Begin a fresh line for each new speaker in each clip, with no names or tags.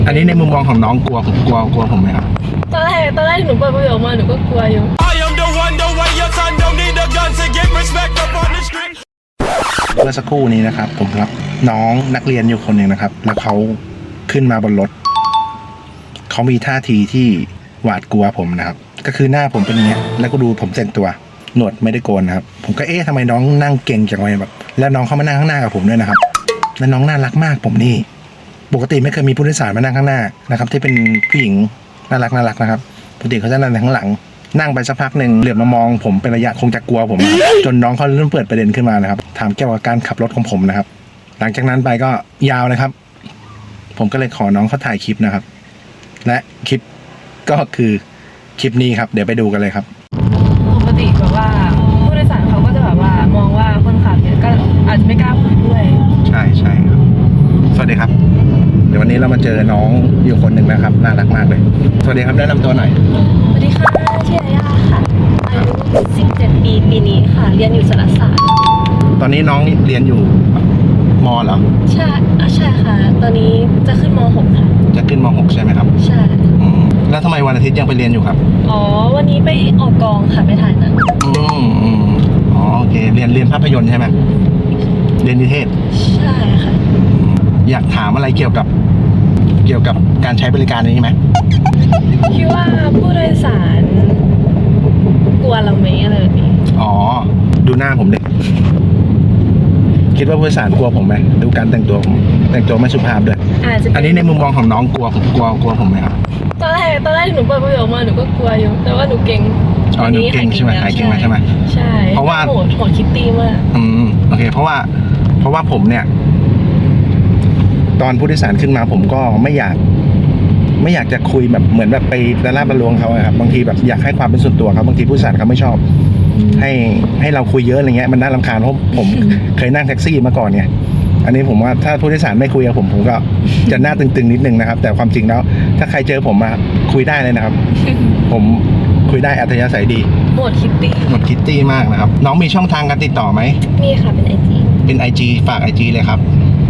อันนี้ในมุมมองของน้องกลัวผมไหมครับ
ตอนแรกหนูเปิดประโยคมาหนูก็กลัวอยู่
เมื่อสักครู่นี้นะครับผมรับน้องนักเรียนอยู่คนหนึ่งนะครับแล้วเขาขึ้นมาบนรถเขามีท่าทีที่หวาดกลัวผมนะครับก็คือหน้าผมเป็นอย่างเงี้ยแล้วก็ดูผมแต่งตัวหนวดไม่ได้โกนนะครับผมก็ทำไมน้องนั่งเก่งจังเลยแบบแล้วน้องเขามานั่งข้างหน้ากับผมด้วยนะครับแล้วน้องน่ารักมากผมนี่ปกติไม่เคยมีผู้โดยสารมานั่งข้างหน้านะครับที่เป็นผู้หญิงน่ารักนะครับปกติเขาจะนั่งข้างหลังนั่งไปสักพักหนึ่งเหลือบมามองผมเป็นระยะคงจะกลัวผมจนน้องเขาเริ่มเปิดประเด็นขึ้นมานะครับถามเกี่ยวกับการขับรถของผมนะครับหลังจากนั้นไปก็ยาวเลยครับผมก็เลยขอน้องเขาถ่ายคลิปนะครับและคลิปก็คือคลิปนี้ครับเดี๋ยวไปดูกันเลยครับ
ปกติแบบว่าผู้โดยสารเขาก็จะแบบว่ามองว่าคนขับเนี่ยก็อาจจะไม่กล้าคุยด้วย
ใช่ครับสวัสดีครับเดี๋ยววันนี้เรามาเจอน้องอยู่คนหนึ่งนะครับน่ารักมากเลยสวัสดีครับแนะนำตัวหน่อย
สวัสดีค่ะชื่อย่าค่ะอายุ17 ปีปีนี้ค่ะเรียนอยู่สารศาสตร์
ตอนนี้น้องเรียนอยู่ม.เหรอ
ใช่ค่ะตอนนี้จะขึ้นม.6 ค่ะ
จะขึ้นม.6 ใช่ไหมครับ
ใช่
แล้วทำไมวันอาทิตย์ยังไปเรียนอยู่ครับ
อ๋อวันนี้ไปออกกองค่ะไปถ่ายหนัง
อ๋อโอเคเรียนภาพยนตร์ใช่ไหมเรียนนิเทศ
ใช่ค่ะ
อยากถามอะไรเกี่ยวกับการใช้บริการนี้ไหม
คิดว่าผู้โดยสารกลัวเราไหมอะไรแบบนี้
อ๋อดูหน้าผมเด็กคิดว่าผู้โดยสารกลัวผมไหมดูการแต่งตัวผมแต่งตัวไม่สุภาพด้วยอันนี้ในมุมมองของน้องกลัวผมไหมครับ
ตอนแรกหนูเปิดประโยคมาหนูก็กลัวอยู่แต่ว่าหนูเก่ง
อ๋อหนูเก่งใช่ไหมหายเก่งมาใช่ไหม
ใช่เพราะว่าโหดคิตตี้มาก
โอเคเพราะว่าผมเนี่ยตอนผู้โดยสารขึ้นมาผมก็ไม่อยากจะคุยแบบเหมือนแบบไปละลาบละลวงเขาครับบางทีแบบอยากให้ความเป็นส่วนตัวเขาบางทีผู้โดยสารเขาไม่ชอบให้เราคุยเยอะอะไรเงี้ยมันน่ารำคาญเพราะผมเคยนั่งแท็กซี่มาก่อนเนี่ยอันนี้ผมว่าถ้าผู้โดยสารไม่คุยกับผมก็จะหน้าตึงๆนิดนึงนะครับแต่ความจริงแล้วถ้าใครเจอผมมาคุยได้เลยนะครับผมคุยได้อัธยาศัยดี
หมดคิต
ตี้มากนะครับน้องมีช่องทางการติดต่อไหม
มีค่ะเป็น IG
ฝาก IG เลยครับ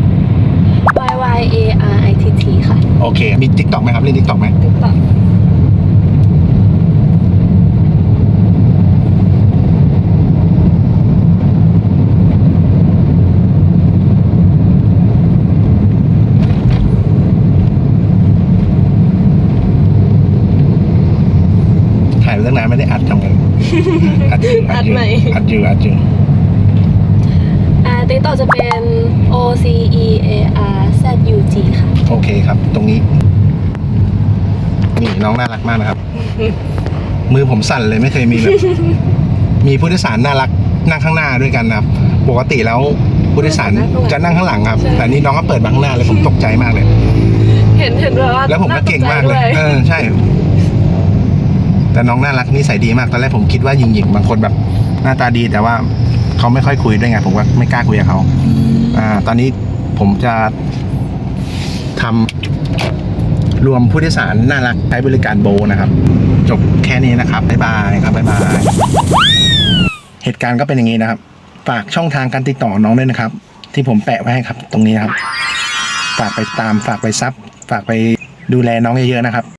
YYARITT ค่ะ
โอเคมี TikTok ไหมครับเล่น TikTok ไหม
TikTok
ถ่ายเรื่องนั้นไม่ได้อัดทำกันอัดอยู่
TikTok จะเป็น OCEARZUG ค่ะ
โอเคครับตรงนี้นี่น้องน่ารักมากนะครับมือผมสั่นเลยไม่เคยมีแบบมีผู้โดยสารน่ารักนั่งข้างหน้าด้วยกันนะครับปกติแล้วผู้โดยสารจะนั่งข้างหลังครับแต่นี่น้องก็เปิดมาข้างหน้าเลยผมตกใจมากเลย
เห็นว่า
แล้วผมก็เก่งมากเลยใช่แต่น้องน่ารักนิสัยดีมากตอนแรกผมคิดว่าหญิงบางคนแบบหน้าตาดีแต่ว่าเขาไม่ค่อยคุยด้วยไงผมก็ไม่กล้าคุยกับเขาตอนนี้ผมจะทำรวมผู้โดยสารน่ารักใช้บริการโบนะครับจบแค่นี้นะครับบ๊ายบายครับบ๊ายบายเหตุการณ์ก็เป็นอย่างนี้นะครับฝากช่องทางการติดต่อน้องด้วยนะครับที่ผมแปะไว้ให้ครับตรงนี้ครับฝากไปตามฝากไปซับฝากไปดูแลน้องเยอะๆนะครับ